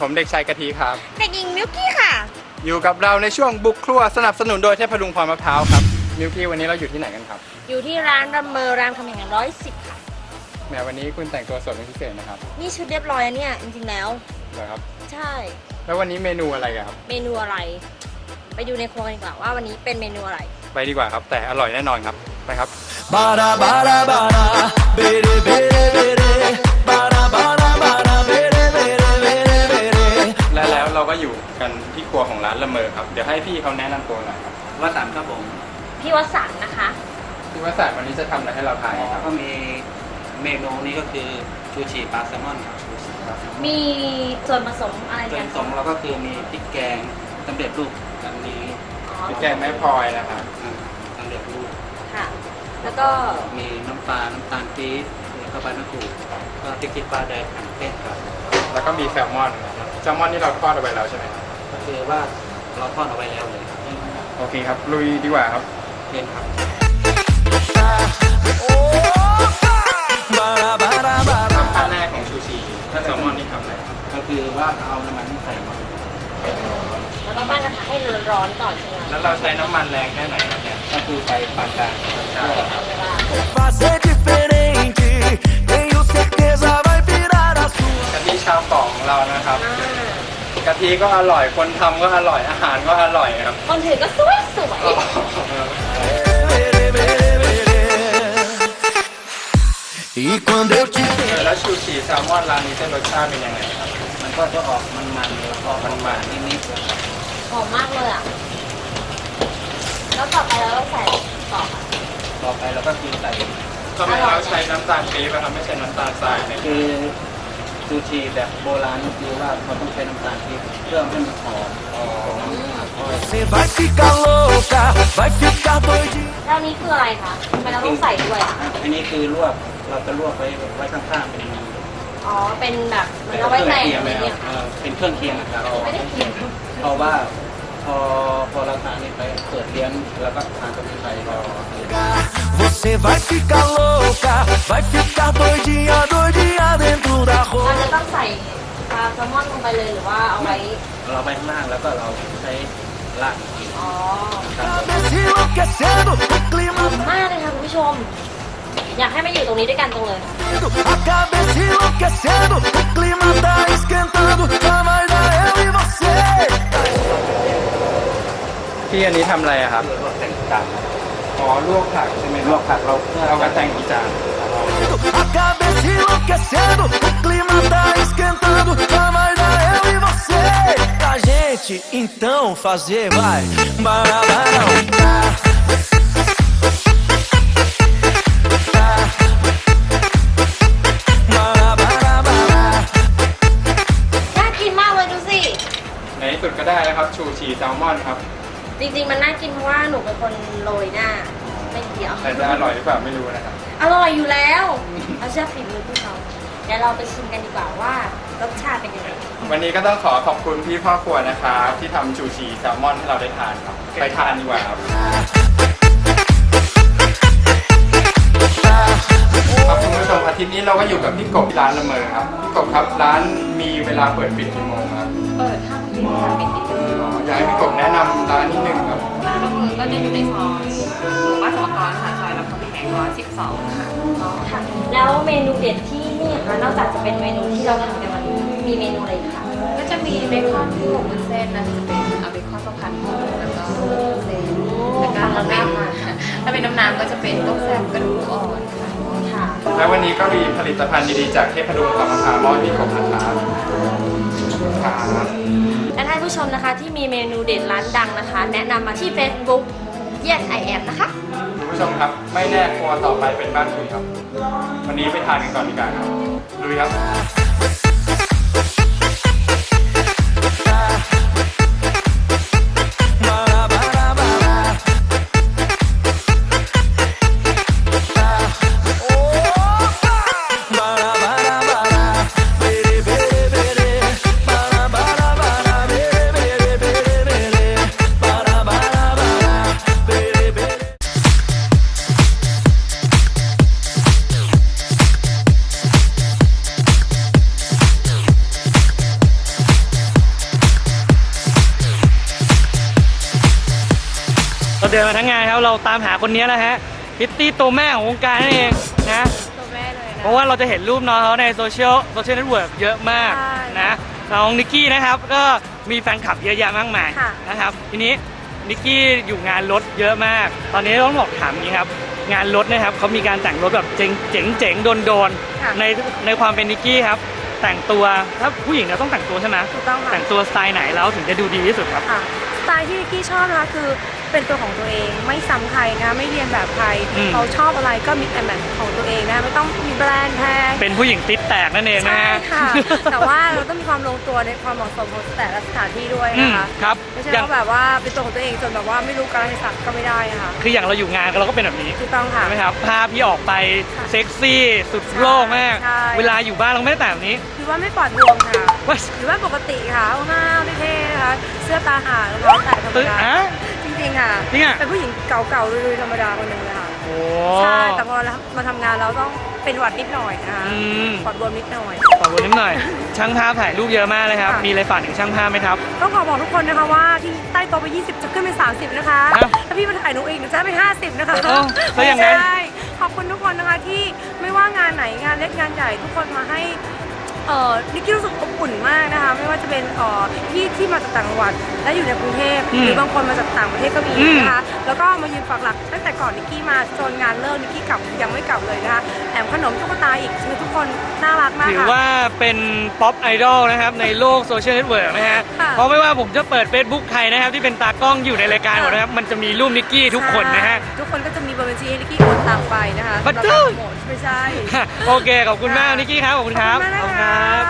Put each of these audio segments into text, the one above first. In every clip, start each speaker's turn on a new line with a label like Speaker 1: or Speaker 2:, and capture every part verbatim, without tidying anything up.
Speaker 1: ผมเด็กชายกะทิครับ
Speaker 2: เด็กหญิงมิวกี้ค่ะ
Speaker 1: อยู่กับเราในช่วงบุกครัวสนับสนุนโดยเทพดุงพรมะพร้าวครับมิวกี้วันนี้เราอยู่ที่ไหนกันครับ
Speaker 2: อยู่ที่ร้านรำเมอรามคำแหงร้อยสิบค่ะ
Speaker 1: แม้วันนี้คุณแต่งตัวสวยเป็นพิเศษนะครับ
Speaker 2: นี่ชุดเรียบร้อยแล้วเนี่ยจริงๆแล้ว
Speaker 1: เหรอครับ
Speaker 2: ใช่
Speaker 1: แล้ววันนี้เมนูอะไรครับ
Speaker 2: เมนูอะไรไปดูในครัวกันดีกว่าว่าวันนี้เป็นเมนูอะไร
Speaker 1: ไปดีกว่าครับแต่อร่อยแน่นอนครับไปครับ
Speaker 3: บาราบาราบาราเบเรเบเรเบเรบาราบาราบาราเบเรเบเรเบเรเบเร
Speaker 1: และแล้วเราก็อยู่กันที่ครัวของร้านละเมอครับเดี๋ยวให้พี่เขาแนะนำตัวหน่อยครับ
Speaker 4: วสันต์ครับผม
Speaker 2: พี่วสันต์นะคะ
Speaker 1: พี่วสันต์วันนี้จะทำอะไรให้เราทานครับ
Speaker 4: ก็มีเมนูนี้ก็คือชูชีปลาแซลมอนครับ
Speaker 2: มีส่วนผสมอะไร
Speaker 4: ส่ว
Speaker 2: กัน
Speaker 4: นผสมเราก็คือมีพริกแกงสำเร็จรูปอันนี้
Speaker 1: พริกแกงแม่พลอยนะครับ
Speaker 4: สำเร็จรูป
Speaker 2: ค่ะแล้วก็
Speaker 4: มีน้ำปลาน้ำตาลปี๊บแล้วก็ใบมะกรูดก็พริกขี้ปลาแดงหั่นเผ็ดครับ
Speaker 1: แล้วก็มีแซลมอนแซลมอนนี่เราทอดเอาไว้แล้วใช่ไหมครับ
Speaker 4: ก็คือว่าเราทอดเอาไว้แล้วเลยครับ
Speaker 1: โอเคครับลุยดีกว่าครับ
Speaker 4: เพียนครับ
Speaker 1: ขั้นแรกของชูชีถ้าแซลมอนนี่ทำอะไร
Speaker 4: ก็คือว่าเอาน้ำมันใส่มา
Speaker 2: แล้วก็ปั้นกระทะให้ร้อนก่อนใช่ไหม
Speaker 1: แล้วเราใช้น้ำมันแรงแค่ไหนครับเนี่ย
Speaker 4: ก็คือไฟปานกลาง
Speaker 1: กะทิชาวเกาะของเรานะครับกะทิก็อร่อยคนทำก็อร่อยอาหารก็อร่อยครับ
Speaker 2: คนถือก็สวยสวย
Speaker 1: แล้วชูชีแซลมอนร้านนี้จะรสชาติเป็นยังไงครับ
Speaker 4: มันก็จะออกมันๆแล้วก็มันๆนิดๆ
Speaker 2: หอมมากเลยอ่ะแล้วต่อไปเราต้องใส่ต่อ
Speaker 4: ต่อไปเราก็คือใส่
Speaker 1: ทำไมเราใช้น้ำตาลปี๊บครับไม่ใช่น้ำตาลทรายเนี่ย
Speaker 4: คือซูชิแบบโบราณคือว่าเขาต้องใช้น้ำตาลปี๊บเพื่อให้มันหอม
Speaker 2: แล้วนี้คืออะไรคะทำไมเราต้องใส่ด้วยอ่ะ
Speaker 4: อันนี้คือลวกเราจะลวกไว้ไว้ข้างๆเป็น
Speaker 2: อ๋อเป็นแบบเหมือนเอาไว้แต่งอะไรเนี่ย
Speaker 4: เป็นเครื่องเคียงนะครับ
Speaker 2: ไม่ได้เคียง
Speaker 4: เพราะว่าพอพอเราทานนี่ไปเปิดเลี้ยงแล้วก็ทานกับไทยเรา
Speaker 3: Você vai ficar louca, vai ficar doidinha, doidinha dentro da roupa.
Speaker 2: เราจะต้องใส่ปลาแซลมอนลงไปเลยหรือว่าเอาไว้
Speaker 4: เราไปข้างล่างแล้วก็เราใช้ลาก
Speaker 2: อ๋อหอมมากเลยค่ะคุณผู้ชมอยากให้มาอยู่ตรงนี้ด้วยกันตรงเลย
Speaker 1: พี่อันนี้ทำอะไรอะครับ
Speaker 4: ลวกแต่งจาน
Speaker 1: อ๋อลวกผักใช่ไหม
Speaker 4: ลวกผักเรา
Speaker 1: เราก็แต่งจาน
Speaker 3: Então fazer vai barabarão
Speaker 2: น่ากินมากเลยดูสิ
Speaker 1: ในที่สุดก็ได้แล้วครับชูชีแซลมอนครับ
Speaker 2: จริงๆมันน่ากินเพราะว่าหนูเป็นคนโรยหน้าไม่เกี่ยว
Speaker 1: แต่จะอร่อยหรือเปล่าไม่รู้นะครับ
Speaker 2: อร่อยอยู่แล้วเราเชื่อฝีมือพี่เขาเดี๋ยวเราไปชิมกันดีกว่าว่ารสชาติเป็นยังไง
Speaker 1: วันนี้ก็ต้องขอขอบคุณพี่พ่อครัวนะครับที่ทำชูชีแซลมอนให้เราได้ทานครับไปทานดีกว่าครับครับคุณผู้ชมอาทิตย์นี้เราก็อยู่กับพี่กบที่ร้านละเมอครับพี่กบครับร้านมีเวลาเปิดปิดกี่โมงครับ
Speaker 2: เปิดห้าโมงค่ะปิดกี่โมง
Speaker 1: อ๋ออยากให้พี่กบแนะนำร้านนิดนึงครับ
Speaker 5: ร้านละเมอก็จะอยู่ในซอยหมู่บ้านสมกรค่ะซอยรามคำแหงร้อยสิบสองค่ะ
Speaker 2: อ๋อค่ะแล้วเมนูเด็ดที่นี่ค่ะนอกจากจะเป็นเมนูที่เราทำกันวันนี้มีเมนูอะไรอีกคะ
Speaker 5: ก็จะมีเบคอนที่หมกวุ้นเส้นนะจะเป็นเอาเบคอนประพันธ์แล้วก็เส้นแล้วก็ถ้าเป็นถ้าเป็นน้ำน้ำก็จะเป็นต้มแซ่บกระดูกอ่อน
Speaker 2: ค่ะ
Speaker 1: และวันนี้ก็มีผลิตภัณฑ์ดีๆจากเทพดุงพรมะพร้าวมอบให้พี่กบนะครับ
Speaker 2: และท่านผู้ชมนะคะที่มีเมนูเด็ดร้านดังนะคะแนะนำมาที่ Facebook Yes I Am นะคะ
Speaker 1: คุณผู้ชมครับไม่แน่ครัวต่อไปเป็นบ้านคุณครับวันนี้ไปทานกันก่อนดีกว่าครับลุยครับ
Speaker 6: เราเดินมาทั้งงานครับเราตามหาคนนี้แหละฮะพิตตี้ตัวแม่ของวงการนั่นเองนะ
Speaker 2: ตัวแม่เลยนะ
Speaker 6: เพราะว่าเราจะเห็นรูปน้องเขาในโซเชียลโซเชียลเน็ตเวิร์กเยอะมาก
Speaker 2: ใช่
Speaker 6: นะน้องนิกกี้นะครับก็มีแฟนคลับเยอะแยะมากมาย
Speaker 2: ค่ะ
Speaker 6: นะครับทีนี้นิกกี้อยู่งานรถเยอะมาก ตอนนี้ต้องบอกถามอย่างนี้ครับงานรถนะครับเขามีการแต่งรถแบบเจ๋งเจ๋งเจ๋งโดนโดนๆ
Speaker 2: ค่ะ
Speaker 6: ในในความเป็นนิกกี้ครับแต่งตัวถ้าผู้หญิงเนี่ยต้องแต่งตัวใช่ไหม
Speaker 2: ถูกต้องค่ะ
Speaker 6: แต่งตัวสไตล์ไหนแล้วถึงจะดูดีที่สุดครับ
Speaker 2: ค่ะสไตล์ที่นิกกี้ชอบนะคะคือเป็นตัวของตัวเองไม่ซ้ำใครนะไม่เรียนแบบใคร
Speaker 6: อืม
Speaker 2: เขาชอบอะไรก็มิกแอนด์แมทของตัวเองนะไม่ต้องมีแบรนด์แพง
Speaker 6: เป็นผู้หญิงติดแตกนั่นเองนะ
Speaker 2: ใช่
Speaker 6: ฮะ
Speaker 2: ค่ะ แต่ว่าเราต้องมีความลงตัวในความเหมาะสมของแต่ละสถานที่ด้วย
Speaker 6: อื
Speaker 2: นะ
Speaker 6: ม
Speaker 2: คะ
Speaker 6: ครับ
Speaker 2: ไม่ใช่
Speaker 6: อย่าง
Speaker 2: ว่าแบบว่าเป็นตัวของตัวเองจนแบบว่าไม่รู้กาลเทศะก็ไม่ได้นะคะ
Speaker 6: คืออย่างเราอยู่งานเราก็เป็นแบบนี้
Speaker 2: ถูกต้องค่ะ
Speaker 6: ใช่ไหมครับภาพที่ออกไป
Speaker 2: ค่ะ
Speaker 6: เซ็กซี่สุดโลกมาก
Speaker 2: ใช่
Speaker 6: เวลาอยู่บ้านเราก็ไม่ได้แต่งแบบนี้
Speaker 2: คือว่าไม่ปลอดรวมค่ะ
Speaker 6: ว่า
Speaker 2: หรือว่าปกติค่ะห้าวๆเท่ๆนะคะเสื้อตาห่างรองเท้าแตะธรรม
Speaker 6: ตึ๊ด
Speaker 2: ดา
Speaker 6: อ่ะ
Speaker 2: จริงๆค่ะ
Speaker 6: จริงอะ
Speaker 2: เป็นผู้หญิงเก่าๆลุยๆธรรมดาคนหนึ่งเลยค่ะ
Speaker 6: โอ้
Speaker 2: ใช่แต่พอมาทำงานเราต้องเป็นหวัดนิดหน่อยนะคะ
Speaker 6: อืม
Speaker 2: ปลอดรวมนิดหน่อย
Speaker 6: ขอบคุณนิดหน่อย ช่างภาพถ่ายรูปเยอะมากเลยครับ
Speaker 2: ค่ะ
Speaker 6: มีอะไรฝากถึงช่างภาพไหมครับ
Speaker 2: ต้องขอบอกทุกคนนะคะว่าที่ใต้โต๊ะไปยี่สิบจะขึ้นเป็นสามสิบนะคะ
Speaker 6: ครับ
Speaker 2: ถ้าพี่มาถ่ายหนูอีกหนูจะได้เป็นห้าสิบนะคะ
Speaker 6: เอ้าแล้วอย่างนั้น
Speaker 2: ใช่ขอบคุณทุกคนนะคะที่ไม่ว่างานไหนงานเล็กงานใหญ่ทุกคนมาให้เอ่อนิกกี้รู้สึกอบอุ่นมากนะคะไม่ว่าจะเป็นเอ่อพี่ที่มาจากต่างจังหวัดและอยู่ในกรุงเทพ
Speaker 6: อืม
Speaker 2: หรือบางคนมาจากต่างประเทศก็มี
Speaker 6: อืม
Speaker 2: นะคะแล้วก็มายืนปักหลักตั้งแต่ก่อนนิกกี้มาจนงานเลิกนิกกี้กลับยังไม่กลับเลยนะคะแถมขนมตุ๊กตาอีกคือทุกคนน่ารักมาก
Speaker 6: ถือ
Speaker 2: ค่ะ
Speaker 6: ว่าเป็นป๊อปไอดอลนะครับในโลกโซเชียลเน็ตเวิร์กนะฮะ
Speaker 2: ค่ะ
Speaker 6: เพราะไม่ว่าผมจะเปิด Facebook ใครนะครับที่เป็นตากล้องอยู่ในรายการหมดนะครับมันจะมีรูปนิกกี้ทุกคนนะฮะ
Speaker 2: ใช่ทุกคนก็จะมีเบอร์บัญชีให้นิกกี้โอนตังไปนะคะ
Speaker 6: บัตร
Speaker 2: สำหรับการโปรโมทไม่ใช่
Speaker 6: โอเคขอบคุณมากนิกกี้ครับขอบคุณครับ
Speaker 2: ขอบคุณมาก
Speaker 6: ขอบคุณ
Speaker 2: นะ
Speaker 6: ค
Speaker 2: คะ
Speaker 6: รับ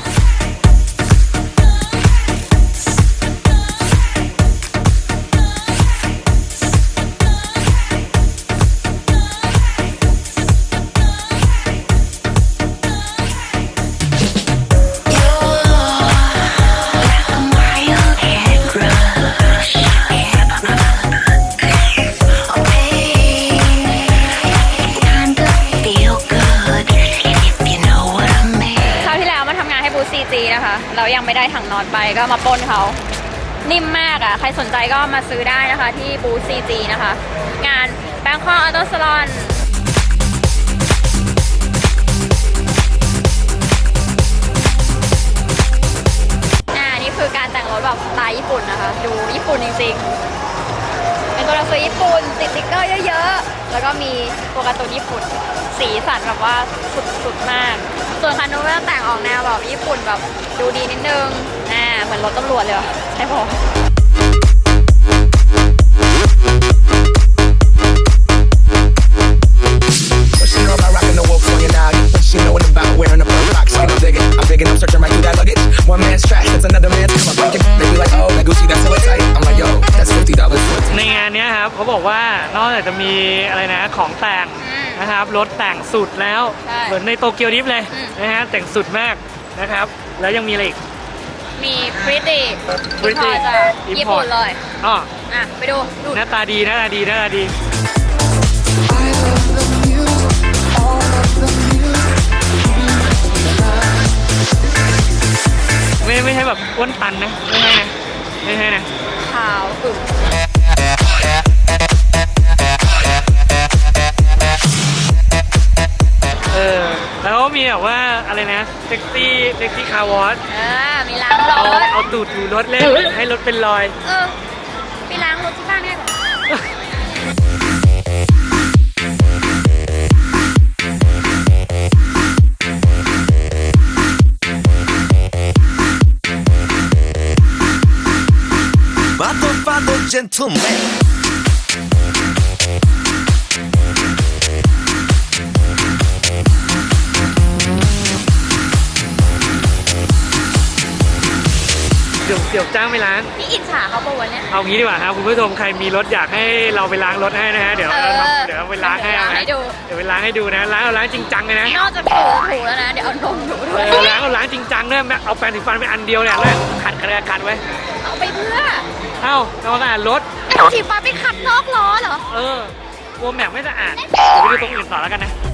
Speaker 5: คราวที่แล้วมาทำงานให้บูธ ซี จี นะคะ เรายังไม่ได้ถังนอนไปก็มาปล้นเขานิ่มมากอ่ะ ใครสนใจก็มาซื้อได้นะคะที่บูธ ซี จี นะคะ งาน Bangkok Auto Salon อ่านี่คือการแต่งรถแบบสไตล์ญี่ปุ่นนะคะ ดูญี่ปุ่นจริงๆ เป็นตัวหนังสือญี่ปุ่นติดสติ๊กเกอร์เยอะๆ แล้วก็มีตัวการ์ตูนญี่ปุ่น สีสันแบบว่าสุดๆมาก ส่วนคันนู้นก็แต่งออกแนวแบบญี่ปุ่นแบบดูดีนิดนึงอ่าเหมือนรถตำรวจเลยว่ะใช่ปะ
Speaker 3: What she know about rocking the wolf on your noggin? What she knowin' about wearing a pearl box? I'm digging, I'm digging, I'm searching right through that luggage. One man's trash, that's another man's. Come on, break it. They be like, oh, that Gucci, that's so tight. I'm like, yo, that's fifty dollars for it.
Speaker 6: ในงานเนี้ยครับเขาบอกว่านอกจากจะมีอะไรนะของแต่ง
Speaker 5: อืม
Speaker 6: นะครับรถแต่งสุดแล้ว
Speaker 5: ใช่
Speaker 6: เหมือนในโตเกียวดริฟต์เลย
Speaker 5: อืม
Speaker 6: นะฮะแต่งสุดมากนะครับแล้วยังมีอะไรอีก
Speaker 5: มีพริตตี้
Speaker 6: Pretty
Speaker 5: จากญี่ปุ่นเลย
Speaker 6: อ๋อ
Speaker 5: อ่ะ ไปดูดู
Speaker 6: หน้าตาดีหน้าตาดีหน้าตาดีไม่ไม่ใช่แบบอ้วนตันนะไม่ใช่นะไม่ใช่นะ
Speaker 5: ขาวกึ่ง
Speaker 6: เออแล้วก็มีแบบว่าอะไรนะเซ็กซี่เซ็กซี่คาร์วอช
Speaker 5: อ่ามีล้างร
Speaker 6: เอา
Speaker 5: ถ
Speaker 6: เอาตูดถูรถเล่นให้รถเป็นรอย
Speaker 5: เออไปล้างรถที่บ้านง่ายกว่า
Speaker 3: Motherfucker gentleman.
Speaker 6: เดี๋ยวเดี๋ยวจ้างไปล้าง
Speaker 5: นี่อิจฉาเขาปะวะเนี่ย
Speaker 6: เอางี้ดีกว่าครับคุณผู้ชมใครมีรถอยากให้เราไปล้างรถให้นะฮะเดี๋ยว
Speaker 5: เอ
Speaker 6: เรา
Speaker 5: อ
Speaker 6: ทำเดี๋ยวเราไปล้างให้เอา
Speaker 5: เดี๋ยวล้างให้
Speaker 6: นะ
Speaker 5: ดู
Speaker 6: เดี๋ยวไปล้างให้ดูนะล้างเอาล้างจริงจังเลยนะ
Speaker 5: นอกจากถูถูแล้วนะ เดี๋ยวเอานมถูด้
Speaker 6: เอ
Speaker 5: วย
Speaker 6: อล้างเอาล้างจริงจังด้วยแบบเอาแปรงสีฟันไปอันเดียวเนี่ยแล้วขัดขัดขัดขัดไว้
Speaker 5: เอาไปเพื่อ
Speaker 6: เอ้าทำความสะอาดรถ
Speaker 5: เอาสีฟ้าไปขัดนอกล้อเหรอ
Speaker 6: เออกลัวแม็กไม่สะอาดเดี๋ยวไปดูตรงอื่นต่อแล้วกันนะ